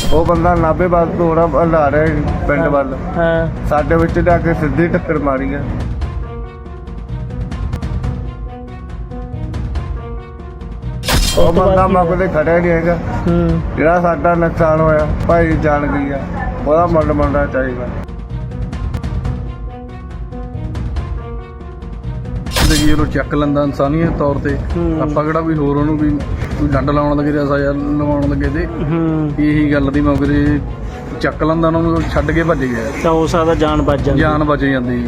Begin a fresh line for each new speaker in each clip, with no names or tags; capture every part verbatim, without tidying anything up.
ਉਹ ਬੰਦਾ ਨਾਭੇ ਵੱਲ ਥੋੜਾ ਹਲਾ ਰਿਹਾ ਪਿੰਡ ਵੱਲ।
ਹਾਂ
ਸਾਡੇ ਵਿੱਚ ਜਾ ਕੇ ਸਿੱਧੀ ਟੱਕਰ ਮਾਰੀ ਆ। ਉਹ ਬੰਦਾ ਮੌਕੇ ਤੇ ਖੜਿਆ ਨਹੀਂ ਹੈਗਾ।
ਹੂੰ
ਜਿਹੜਾ ਸਾਡਾ ਨੁਕਸਾਨ ਹੋਇਆ ਭਾਈ ਜਾਣ ਗਈ ਆ, ਉਹਦਾ ਮੁੱਲ ਮੰਨਣਾ ਚਾਹੀਦਾ।
ਜ਼ਿੰਦਗੀ ਨੂੰ ਚੱਕ ਲੈਂਦਾ ਇਨਸਾਨੀਅਤ ਤੌਰ ਤੇ। ਆਪਾਂ ਕਿਹੜਾ ਵੀ ਹੋਰ ਉਹਨੂੰ ਵੀ ਕੋਈ ਡੰਡ ਲਾਉਣ ਲੱਗੇ ਜਾਂ ਸਜ਼ਾ ਲਵਾਉਣ ਲੱਗੇ ਤੇ
ਹੂੰ
ਇਹੀ ਗੱਲ ਦੀ ਮੌਕੇ ਤੇ ਚੱਕ ਲੈਂਦਾ, ਉਹਨਾਂ ਨੂੰ ਛੱਡ ਕੇ ਭੱਜ ਗਿਆ।
ਤਾਂ ਹੋ ਸਕਦਾ ਜਾਨ ਬਚ ਜਾਂਦੀ।
ਜਾਨ ਬਚ ਜਾਂਦੀ।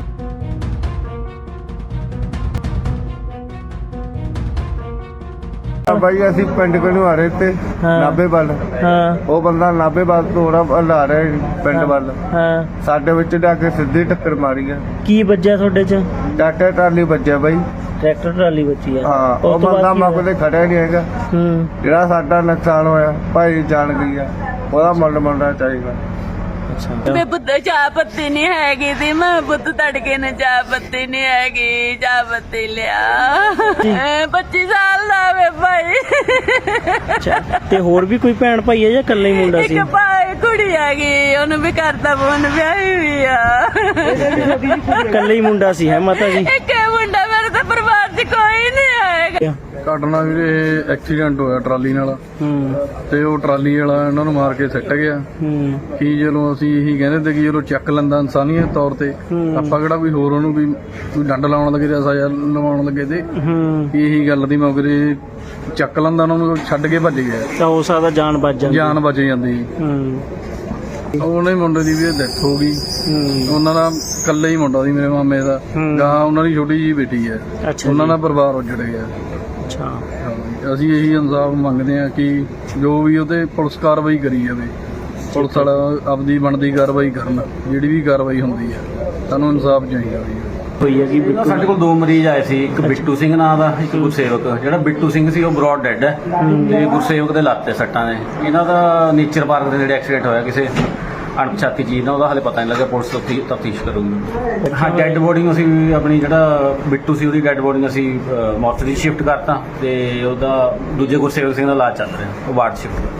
ਬਾਈ ਅਸੀਂ ਪਿੰਡ ਕੋਲੋਂ ਆ ਰਹੇ ਤੇ
ਹਾਂ।
ਨਾਭੇ ਵੱਲ।
ਹਾਂ
ਉਹ ਬੰਦਾ ਨਾਭੇ ਵੱਲ ਥੋੜਾ ਹਲਾ ਰਿਹਾ ਪਿੰਡ ਵੱਲ।
ਹਾਂ
ਸਾਡੇ ਵਿੱਚ ਜਾ ਕੇ ਸਿੱਧੀ ਟੱਕਰ ਮਾਰੀ ਆ।
ਕੀ ਵੱਜਿਆ ਤੁਹਾਡੇ ਚ?
ਟਰੈਕਟਰ ਟਰਾਲੀ ਵੱਜਿਆ ਬਾਈ।
ਟਰੈਕਟਰ ਟਰਾਲੀ ਵੱਜੀ ਆ।
ਹਾਂ ਉਹ
ਉਸ ਤੋਂ ਬਾਅਦ
ਬੰਦਾ
ਕੀ
ਮੌਕੇ ਤੇ ਖੜਿਆ ਨਹੀਂ ਹੈਗਾ।
ਹੂੰ
ਜਿਹੜਾ ਸਾਡਾ ਨੁਕਸਾਨ ਹੋਇਆ ਭਾਈ ਜਾਣ ਗਈ ਆ, ਉਹਦਾ ਮੁੱਲ ਮੰਨਣਾ ਚਾਹੀਦਾ।
ਅੱਛਾ
ਮੈਂ ਪੁੱਤ ਚਾਹ ਪੱਤੀ ਨਹੀਂ ਹੈਗੀ ਤੇ ਮੈਂ ਪੁੱਤ ਤੜਕੇ ਨੇ ਚਾਹ ਪੱਤੀ ਨਹੀਂ ਹੈਗੀ, ਚਾਹ ਪੱਤੀ ਲਿਆ। ਪੱਚੀ ਸਾਲ ਦਾ ਵੇ ਭਾਈ।
ਅੱਛਾ ਤੇ ਹੋਰ ਵੀ ਕੋਈ ਭੈਣ ਭਾਈ ਹੈ ਜਾਂ ਇਕੱਲਾ ਹੀ ਮੁੰਡਾ ਸੀ?
ਇੱਕ ਭਾਈ ਕੁੜੀ ਹੈਗੀ, ਉਹਨੂੰ ਵੀ ਕਰਦਾ ਫੋਨ ਵਿਆਹੀ ਵੀ ਆ।
ਇਕੱਲਾ ਹੀ ਮੁੰਡਾ ਸੀ ਹੈ ਮਾਤਾ ਜੀ?
ਇੱਕ ਇਹ ਮੁੰਡਾ ਮੇਰੇ ਤਾਂ ਪਰਿਵਾਰ 'ਚ ਕੋਈ ਨਹੀਂ ਆਏਗਾ।
ਘਟਨਾ ਵੀਰੇ ਇਹ ਐਕਸੀਡੈਂਟ ਹੋਇਆ ਟਰਾਲੀ ਨਾਲ,
ਹੂੰ
ਤੇ ਉਹ ਟਰਾਲੀ ਵਾਲਾ ਇਹਨਾਂ ਨੂੰ ਮਾਰ ਕੇ ਸਿੱਟ ਗਿਆ।
ਹੂੰ
ਕੀ ਜਦੋਂ ਅਸੀਂ ਇਹੀ ਕਹਿੰਦੇ ਤੇ ਕਿ ਜਦੋਂ ਚੱਕ ਲੈਂਦਾ ਇਨਸਾਨੀਅਤ ਤੌਰ ਤੇ।
ਹੂੰ।
ਆਪਾਂ ਕਿਹੜਾ ਵੀ ਹੋਰ ਉਹਨੂੰ ਵੀ ਕੋਈ ਡੰਡ ਲਾਉਣ ਲੱਗੇ ਜਾਂ ਸਜ਼ਾ ਲਵਾਉਣ ਲੱਗੇ ਤੇ
ਹੂੰ
ਇਹੀ ਗੱਲ ਦੀ ਮੌਕੇ ਤੇ ਚੱਕ ਲੈਂਦਾ, ਉਹਨਾਂ ਨੂੰ ਛੱਡ ਕੇ ਭੱਜ ਗਿਆ।
ਤਾਂ ਹੋ ਸਕਦਾ ਜਾਨ ਬਚ ਜਾਂਦੀ।
ਜਾਨ ਬਚ ਜਾਂਦੀ।
ਹੂੰ
ਉਹਨੇ ਮੁੰਡੇ ਦੀ ਵੀ ਡੈਥ ਹੋ ਗਈ।
ਹੂੰ
ਉਹਨਾਂ ਦਾ ਇਕੱਲਾ ਹੀ ਮੁੰਡਾ ਸੀ ਮੇਰੇ ਮਾਮੇ ਦਾ।
ਹੂੰ।
ਗਾਂ ਉਹਨਾਂ ਦੀ ਛੋਟੀ ਜਿਹੀ ਬੇਟੀ ਹੈ।
ਅੱਛਾ
ਉਹਨਾਂ
ਜੀ।
ਦਾ ਪਰਿਵਾਰ ਉੱਜੜ ਗਿਆ।
ਅੱਛਾ
ਅਸੀਂ ਇਹੀ ਇਨਸਾਫ ਮੰਗਦੇ ਹਾਂ ਕਿ ਜੋ ਵੀ ਉਹਤੇ ਪੁਲਿਸ ਕਾਰਵਾਈ ਕਰੀ ਜਾਵੇ। ਪੁਲਿਸ ਵਾਲਾ ਆਪਦੀ ਬਣਦੀ ਕਾਰਵਾਈ ਕਰਨ, ਜਿਹੜੀ ਵੀ ਕਾਰਵਾਈ ਹੁੰਦੀ ਹੈ। ਸਾਨੂੰ ਇਨਸਾਫ ਚਾਹੀਦਾ ਵੀ।
ਹੋਈ ਹੈ ਕੀ
ਨਾ ਸਾਡੇ ਕੋਲ ਦੋ ਮਰੀਜ਼ ਆਏ ਸੀ, ਇੱਕ ਬਿੱਟੂ ਸਿੰਘ ਨਾਂ ਦਾ, ਇੱਕ ਗੁਰਸੇਵਕ। ਜਿਹੜਾ ਬਿੱਟੂ ਸਿੰਘ ਸੀ ਉਹ ਬਰੋਡ ਡੈਡ ਹੈ, ਤੇ ਗੁਰਸੇਵਕ ਦੇ ਲੱਤ ਤੇ ਸੱਟਾਂ ਨੇ। ਇਹਨਾਂ ਦਾ ਨੇਚਰ ਪਾਰਕ ਦੇ ਨੇੜੇ ਐਕਸੀਡੈਂਟ ਹੋਇਆ ਕਿਸੇ ਅਣਪਛਾਤੀ ਚੀਜ਼ ਨਾਲ, ਉਹਦਾ ਹਾਲੇ ਪਤਾ ਨਹੀਂ ਲੱਗਿਆ। ਪੁਲਿਸ ਤਫਤੀਸ਼ ਕਰੂਗੀ। ਹਾਂ ਡੈਡ ਬੋਡੀ ਨੂੰ ਅਸੀਂ ਆਪਣੀ ਜਿਹੜਾ ਬਿੱਟੂ ਸੀ ਉਹਦੀ ਡੈਡ ਬੋਡੀ ਨੂੰ ਅਸੀਂ ਮੋਰਚਰੀ ਸ਼ਿਫਟ ਕਰਤਾ, ਤੇ ਉਹਦਾ ਦੂਜੇ ਗੁਰਸੇਵਕ ਸਿੰਘ ਦਾ ਇਲਾਜ ਚੱਲ ਰਿਹਾ, ਉਹ ਵਾਰਡ ਸ਼ਿਫਟ।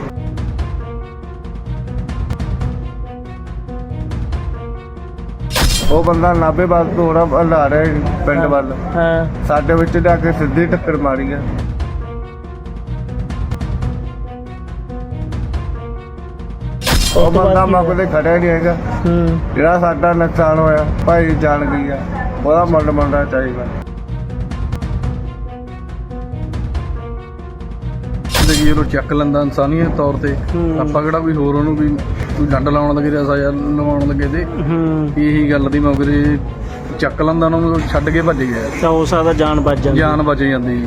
ਉਹ ਬੰਦਾ ਨਾਭੇ ਵੱਲ ਥੋੜਾ ਹਲਾ ਰਿਹਾ ਪਿੰਡ ਵੱਲ।
ਹਾਂ
ਸਾਡੇ ਵਿੱਚ ਜਾ ਕੇ ਸਿੱਧੀ ਟੱਕਰ ਮਾਰੀ ਆ। ਉਹ
ਉਸ ਤੋਂ
ਬੰਦਾ
ਬਾਅਦ ਕੀ
ਮੌਕੇ ਤੇ ਖੜਿਆ ਨਹੀਂ ਹੈਗਾ।
ਹੂੰ
ਜਿਹੜਾ ਸਾਡਾ ਨੁਕਸਾਨ ਹੋਇਆ ਭਾਈ ਜਾਣ ਗਈ ਆ, ਉਹਦਾ ਮੁੱਲ ਮੰਨਣਾ ਚਾਹੀਦਾ।
ਜ਼ਿੰਦਗੀ ਨੂੰ ਚੱਕ ਲੈਂਦਾ ਇਨਸਾਨੀਅਤ ਤੌਰ ਤੇ।
ਹੂੰ।
ਆਪਾਂ ਕਿਹੜਾ ਵੀ ਹੋਰ ਉਹਨੂੰ ਵੀ ਕੋਈ ਡੰਡ ਲਾਉਣ ਲੱਗੇ ਜਾਂ ਸਜ਼ਾ ਲਵਾਉਣ ਲੱਗੇ ਤੇ
ਹੂੰ
ਇਹੀ ਗੱਲ ਦੀ ਮੌਕੇ ਤੇ ਚੱਕ ਲੈਂਦਾ, ਉਹਨਾਂ ਨੂੰ ਛੱਡ ਕੇ ਭੱਜ ਗਿਆ।
ਤਾਂ ਹੋ ਸਕਦਾ ਜਾਨ ਬਚ ਜਾਂਦੀ।
ਜਾਨ ਬਚ ਜਾਂਦੀ।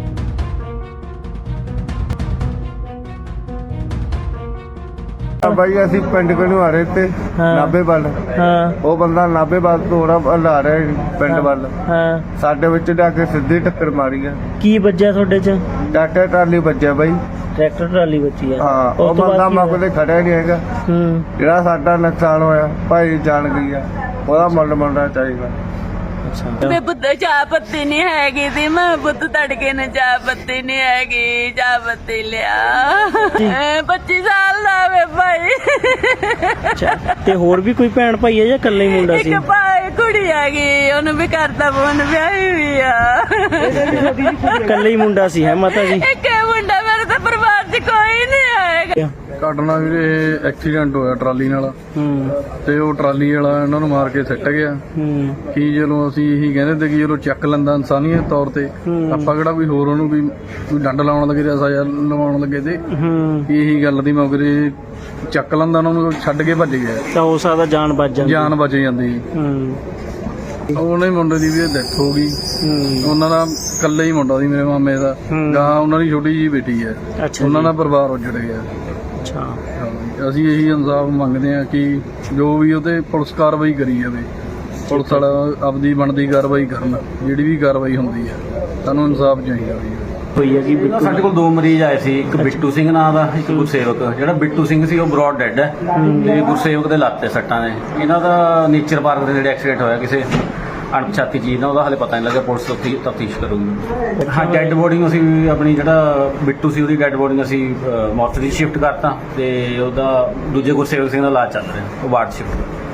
ਬਾਈ ਅਸੀਂ ਪਿੰਡ ਕੋਲੋਂ ਆ ਰਹੇ ਤੇ
ਹਾਂ।
ਨਾਭੇ ਵੱਲ।
ਹਾਂ
ਉਹ ਬੰਦਾ ਨਾਭੇ ਵੱਲ ਥੋੜਾ ਹਲਾ ਰਿਹਾ ਪਿੰਡ ਵੱਲ।
ਹਾਂ
ਸਾਡੇ ਵਿੱਚ ਜਾ ਕੇ ਸਿੱਧੀ ਟੱਕਰ ਮਾਰੀ ਆ।
ਕੀ ਵੱਜਿਆ ਤੁਹਾਡੇ ਚ?
ਟਰੈਕਟਰ ਟਰਾਲੀ ਵੱਜਿਆ ਬਾਈ।
ਟਰੈਕਟਰ ਟਰਾਲੀ ਵੱਜੀ ਆ।
ਹਾਂ ਉਹ
ਉਸ ਤੋਂ ਬਾਅਦ
ਬੰਦਾ
ਕੀ
ਮੌਕੇ
ਹੋਇਆ?
ਤੇ ਖੜਿਆ ਨਹੀਂ ਹੈਗਾ।
ਹੂੰ
ਜਿਹੜਾ ਸਾਡਾ ਨੁਕਸਾਨ ਹੋਇਆ ਭਾਈ ਜਾਣ ਗਈ ਆ, ਉਹਦਾ ਮੁੱਲ ਮੰਨਣਾ ਚਾਹੀਦਾ।
ਅੱਛਾ
ਮੈਂ ਪੁੱਤ ਚਾਹ ਪੱਤੀ ਨਹੀਂ ਹੈਗੀ ਤੇ ਮੈਂ ਪੁੱਤ ਤੜਕੇ ਨੇ ਚਾਹ ਪੱਤੀ ਨਹੀਂ ਹੈਗੀ, ਚਾਹ ਪੱਤੀ ਲਿਆ। ਪੱਚੀ ਸਾਲ ਦਾ ਵੇ ਭਾਈ।
ਅੱਛਾ ਤੇ ਹੋਰ ਵੀ ਕੋਈ ਭੈਣ ਭਾਈ ਹੈ ਜਾਂ ਇਕੱਲਾ ਹੀ ਮੁੰਡਾ ਸੀ?
ਇੱਕ ਭਾਈ ਕੁੜੀ ਹੈਗੀ, ਉਹਨੂੰ ਵੀ ਕਰਦਾ ਫੋਨ ਵਿਆਹੀ ਵੀ ਆ।
ਇਕੱਲਾ ਹੀ ਮੁੰਡਾ ਸੀ ਹੈ ਮਾਤਾ ਜੀ?
ਇੱਕ ਇਹ ਮੁੰਡਾ ਮੇਰੇ ਤਾਂ ਪਰਿਵਾਰ 'ਚ ਕੋਈ ਨਹੀਂ ਆਏਗਾ।
ਘਟਨਾ ਵੀਰੇ ਇਹ ਐਕਸੀਡੈਂਟ ਹੋਇਆ ਟਰਾਲੀ ਨਾਲ,
ਹੂੰ
ਤੇ ਉਹ ਟਰਾਲੀ ਵਾਲਾ ਇਹਨਾਂ ਨੂੰ ਮਾਰ ਕੇ ਸਿੱਟ ਗਿਆ।
ਹੂੰ
ਕੀ ਜਦੋਂ ਅਸੀਂ ਇਹੀ ਕਹਿੰਦੇ ਤੇ ਕਿ ਜਦੋਂ ਚੱਕ ਲੈਂਦਾ ਇਨਸਾਨੀਅਤ ਤੌਰ ਤੇ।
ਹੂੰ।
ਆਪਾਂ ਕਿਹੜਾ ਵੀ ਹੋਰ ਉਹਨੂੰ ਵੀ ਕੋਈ ਡੰਡ ਲਾਉਣ ਲੱਗੇ ਜਾਂ ਸਜ਼ਾ ਲਵਾਉਣ ਲੱਗੇ ਤੇ
ਹੂੰ
ਇਹੀ ਗੱਲ ਦੀ ਮੌਕੇ ਤੇ ਚੱਕ ਲੈਂਦਾ, ਉਹਨਾਂ ਨੂੰ ਛੱਡ ਕੇ ਭੱਜ ਗਿਆ।
ਤਾਂ ਹੋ ਸਕਦਾ ਜਾਨ ਬਚ ਜਾਂਦੀ।
ਜਾਨ ਬਚ ਜਾਂਦੀ।
ਹੂੰ
ਉਹਨੇ ਮੁੰਡੇ ਦੀ ਵੀ ਡੈਥ ਹੋ ਗਈ।
ਹੂੰ
ਉਹਨਾਂ ਦਾ ਇਕੱਲਾ ਹੀ ਮੁੰਡਾ ਸੀ ਮੇਰੇ ਮਾਮੇ ਦਾ।
ਹੂੰ।
ਗਾਂ ਉਹਨਾਂ ਦੀ ਛੋਟੀ ਜਿਹੀ ਬੇਟੀ ਹੈ।
ਅੱਛਾ
ਉਹਨਾਂ
ਜੀ।
ਦਾ ਪਰਿਵਾਰ ਉੱਜੜ ਗਿਆ।
ਅੱਛਾ
ਅਸੀਂ ਇਹੀ ਇਨਸਾਫ ਮੰਗਦੇ ਹਾਂ ਕਿ ਜੋ ਵੀ ਉਹਤੇ ਪੁਲਿਸ ਕਾਰਵਾਈ ਕਰੀ ਜਾਵੇ। ਪੁਲਿਸ ਵਾਲਾ ਆਪਦੀ ਬਣਦੀ ਕਾਰਵਾਈ ਕਰਨ, ਜਿਹੜੀ ਵੀ ਕਾਰਵਾਈ ਹੁੰਦੀ ਹੈ। ਸਾਨੂੰ ਇਨਸਾਫ ਚਾਹੀਦਾ ਵੀ।
ਹੋਈ ਹੈ ਕੀ
ਨਾ ਸਾਡੇ ਕੋਲ ਦੋ ਮਰੀਜ਼ ਆਏ ਸੀ, ਇੱਕ ਬਿੱਟੂ ਸਿੰਘ ਨਾਂ ਦਾ, ਇੱਕ ਗੁਰਸੇਵਕ। ਜਿਹੜਾ ਬਿੱਟੂ ਸਿੰਘ ਸੀ ਉਹ ਬਰੋਡ ਡੈਡ ਹੈ, ਤੇ ਗੁਰਸੇਵਕ ਦੇ ਲੱਤ ਤੇ ਸੱਟਾਂ ਨੇ। ਇਹਨਾਂ ਦਾ ਨੇਚਰ ਪਾਰਕ ਦੇ ਨੇੜੇ ਐਕਸੀਡੈਂਟ ਹੋਇਆ ਕਿਸੇ ਅਣਪਛਾਤੀ ਚੀਜ਼ ਨਾਲ, ਉਹਦਾ ਹਾਲੇ ਪਤਾ ਨਹੀਂ ਲੱਗਿਆ, ਪੁਲਿਸ ਉੱਥੇ ਤਫਤੀਸ਼ ਕਰੂਗੀ। ਹਾਂ, ਡੈੱਡ ਬੋਡੀ ਨੂੰ ਅਸੀਂ ਆਪਣੀ ਜਿਹੜਾ ਬਿੱਟੂ ਸੀ ਉਹਦੀ ਡੈੱਡ ਬੋਡੀ ਨੂੰ ਅਸੀਂ ਮੋਰਚਰੀ ਸ਼ਿਫਟ ਕਰਤਾ, ਤੇ ਉਹਦਾ ਦੂਜੇ ਗੁਰਸੇਵਕ ਸਿੰਘ ਦਾ ਇਲਾਜ ਚੱਲ ਰਿਹਾ, ਉਹ ਵਾਰਡ ਸ਼ਿਫਟ।